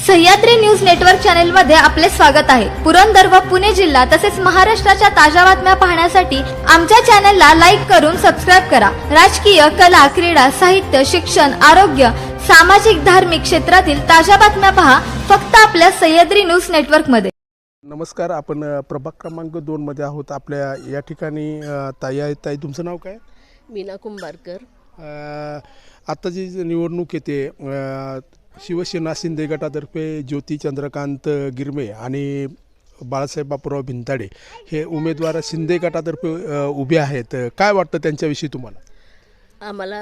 Sahyadri news network channel मध्ये आपले स्वागत आहे। पुरंदर व पुणे जिल्हा तसेच महाराष्ट्राच्या ताज्या बातम्या पाहण्यासाठी आमच्या चॅनलला लाईक करून सबस्क्राइब करा। राजकीय, कला, क्रीडा, साहित्य, शिक्षण, आरोग्य, सामाजिक, धार्मिक क्षेत्रातील ताज्या बातम्या पहा फक्त आपल्या सह्याद्री न्यूज नेटवर्क मध्ये। नमस्कार, आपण प्रभाग क्रमांक 2 मध्ये आहोत। आपल्या या ठिकाणी ताई तुमचं नाव काय? मीना कुंभारकर। आता जी निवडणूक येते, शिवसेना शिंदे गटातर्फे ज्योती चंद्रकांत गिरमे आणि बाळासाहेब बापूराव भिंताडे हे उमेदवार शिंदे गटातर्फे उभे आहेत। काय वाटतं त्यांच्याविषयी तुम्हाला? आम्हाला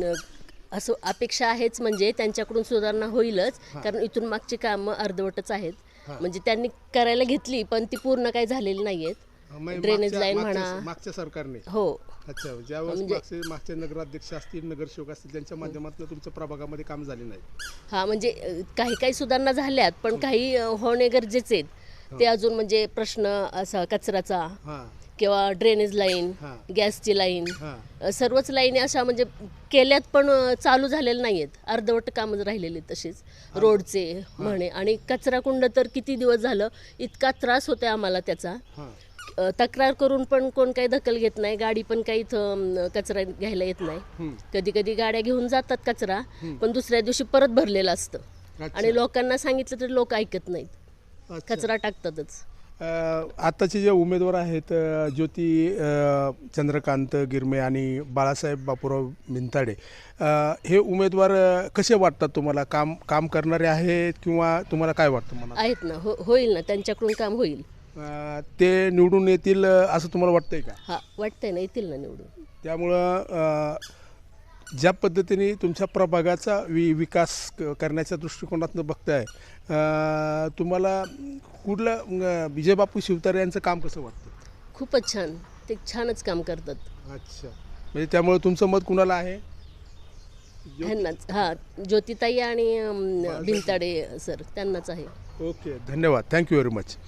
असं अपेक्षा आहेच, म्हणजे त्यांच्याकडून सुधारणा होईलच, कारण इथून मागची कामं अर्धवटच आहेत। म्हणजे त्यांनी करायला घेतली पण ती पूर्ण काही झालेली नाहीयेत। ड्रेनेज लाईन म्हणा, मागच्या सरकारने हो। अच्छा, ज्यावेळेस मागचे नगराध्यक्ष असतील, नगरसेवक असतील, त्यांच्या माध्यमातून तुमच्या प्रभागामध्ये काम झाले नाही? हा, म्हणजे काही सुधारणा झाल्यात पण काही होणे गरजेचे आहेत ते अजून। म्हणजे प्रश्न असा कचऱ्याचा किंवा ड्रेनेज लाईन, गॅसची लाईन, सर्वच लाईनी अशा म्हणजे केल्यात पण चालू झालेल्या नाहीयेत, अर्धवट कामं राहिलेली तशीच। रोडचे म्हणे आणि कचरा कुंड तर किती दिवस झालं इतका त्रास होतोय आम्हाला त्याचा। तक्रार करून पण कोण काही दखल घेत नाही, गाडी पण काही इथं कचरा घ्यायला येत नाही। कधी कधी गाड्या घेऊन जातात कचरा, पण दुसऱ्या दिवशी परत भरलेलं असतं आणि लोकांना सांगितलं तर लोक ऐकत नाहीत, कचरा टाकतातच। आताचे जे उमेदवार आहेत, ज्योती चंद्रकांत गिरमे आणि बाळासाहेब बापूराव भिंताडे, हे उमेदवार कसे वाटतात तुम्हाला? काम करणारे आहेत किंवा तुम्हाला काय वाटतं? मला आहेत ना, होईल ना, त्यांच्याकडून काम होईल। ते निवडून येतील असं तुम्हाला वाटतंय का? हा, वाटतंय ना, येतील ना निवडून। त्यामुळं ज्या पद्धतीने तुमच्या प्रभागाचा विकास करण्याच्या दृष्टिकोनातून बघताय, तुम्हाला कुठलं विजय बापू शिवतारे यांचं काम कसं वाटतं? खूपच छान, ते छानच काम करतात। अच्छा, म्हणजे त्यामुळे तुमचं मत कुणाला आहे? ह्यांनाच, हा, ज्योतिताई आणि भिंताडे सर, त्यांनाच आहे। ओके, धन्यवाद, थँक्यू व्हेरी मच।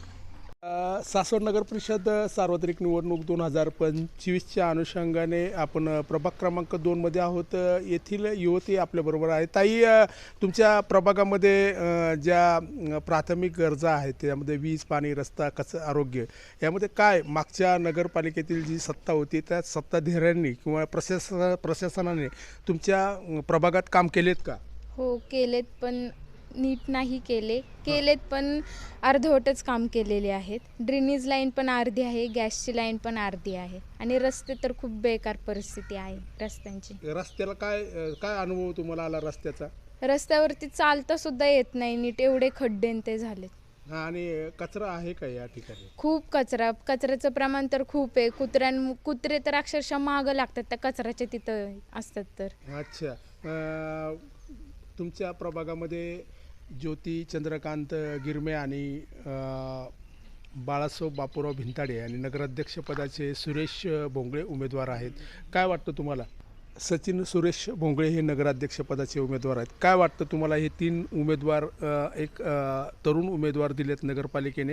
सासवड नगर परिषद सार्वत्रिक निवडणूक 2025च्या अनुषंगाने आपण प्रभाग क्रमांक 2 मध्ये आहोत। येथील युवती आपल्याबरोबर आहे। ताई, तुमच्या प्रभागामध्ये ज्या प्राथमिक गरजा आहेत त्यामध्ये वीज, पाणी, रस्ता, आरोग्य, यामध्ये काय मागच्या नगरपालिकेतील जी सत्ता होती त्या सत्ताधाऱ्यांनी किंवा प्रशासनाने तुमच्या प्रभागात काम केलेत का? हो, केलेत, पण नीट नाही केलेत पण अर्धवटच काम केलेले आहेत। ड्रेनेज लाईन पण अर्धी आहे, गॅसची लाईन पण अर्धी आहे आणि रस्ते तर खूप बेकार परिस्थिती आहे रस्त्यांची। रस्त्याला काय अनुभव तुम्हाला आला रस्त्याचा? रस्त्यावरती चालता सुद्धा येत नाही नीट, एवढे खड्डे ते झालेत। आणि कचरा आहे का या ठिकाणी? खूप कचऱ्याचं प्रमाण तर खूप आहे। कुत्रे तर अक्षरशः मागं लागतात त्या कचऱ्याच्या तिथं असतात तर। अच्छा, तुमच्या प्रभागामध्ये ज्योती चंद्रकांत गिरमे आणि बाळासाहेब बापूराव भिंताडे आणि नगराध्यक्षपदाचे सुरेश भोंगळे उमेदवार आहेत। काय वाटतं तुम्हाला? सचिन सुरेश भोंगळे हे नगराध्यक्षपदाचे उमेदवार आहेत। काय वाटतं तुम्हाला? हे 3 उमेदवार, एक तरुण उमेदवार दिलेत नगरपालिकेने,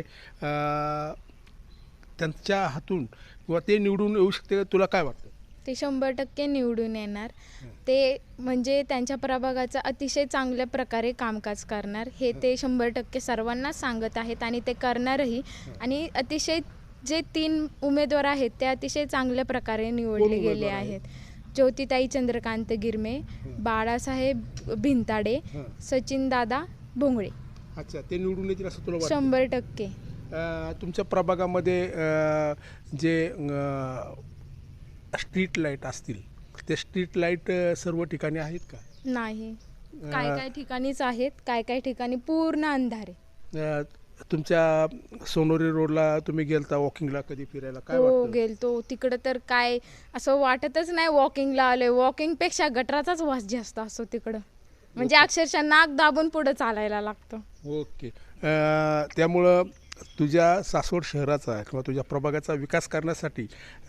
त्यांच्या हातून किंवा ते निवडून येऊ शकते, तुला काय वाटतं? ते 100% निवडून येणार। ते म्हणजे त्यांच्या प्रभागाचं अतिशय चांगल्या प्रकारे कामकाज करणार, हे ते 100% सर्वांना सांगत आहेत आणि ते करणारही। आणि अतिशय जे 3 उमेदवार आहेत ते अतिशय चांगल्या प्रकारे निवडले गेले आहेत। ज्योतिताई चंद्रकांत गिरमे, बाळासाहेब भिंताडे, सचिन दादा भोंगळे। अच्छा, ते निवडून येतील असं तुला वाटतं? 100%। तुमच्या प्रभागामध्ये जे स्ट्रीट लाईट असतील, ते स्ट्रीट लाईट सर्व ठिकाणी आहेत का? नाही, काय ठिकाणीच आहेत, काय ठिकाणी पूर्ण अंधार आहे। तुमच्या सोनोरी रोडला तुम्ही गेलता वॉकिंगला कधी फिरायला? काय हो, वाटतं? गेलतो तिकडं, तर काय असं वाटतच नाही वॉकिंगला आले। वॉकिंगपेक्षा गटराचाच वास जास्त असतो तिकडं, म्हणजे अक्षरशः नाक दाबून पुढे चालायला लागतं। ओके, त्यामुळं तुझ्या सासवड शहराचा किंवा तुझ्या प्रभागाचा विकास करण्यासाठी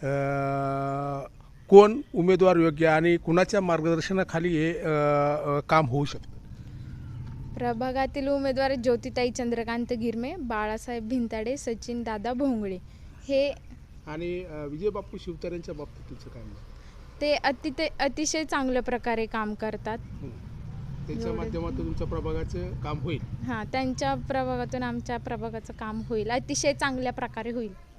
कोण उमेदवार योग्य आणि कुणाच्या मार्गदर्शनाखाली हे काम होऊ शकतं? प्रभागातील उमेदवार ज्योतिताई चंद्रकांत गिरमे, बाळासाहेब भिंताडे, सचिन दादा भोंगळे हे। आणि विजय बापू शिवतारेंच्या बाबतीत तुमचं काय? ते अतिशय चांगल्या प्रकारे काम करतात। त्यांच्या माध्यमातून तुमच्या प्रभागाचं काम होईल. हां, त्यांच्या प्रभागातून आमच्या प्रभागाचं काम होईल, अतिशय चांगल्या प्रकारे होईल.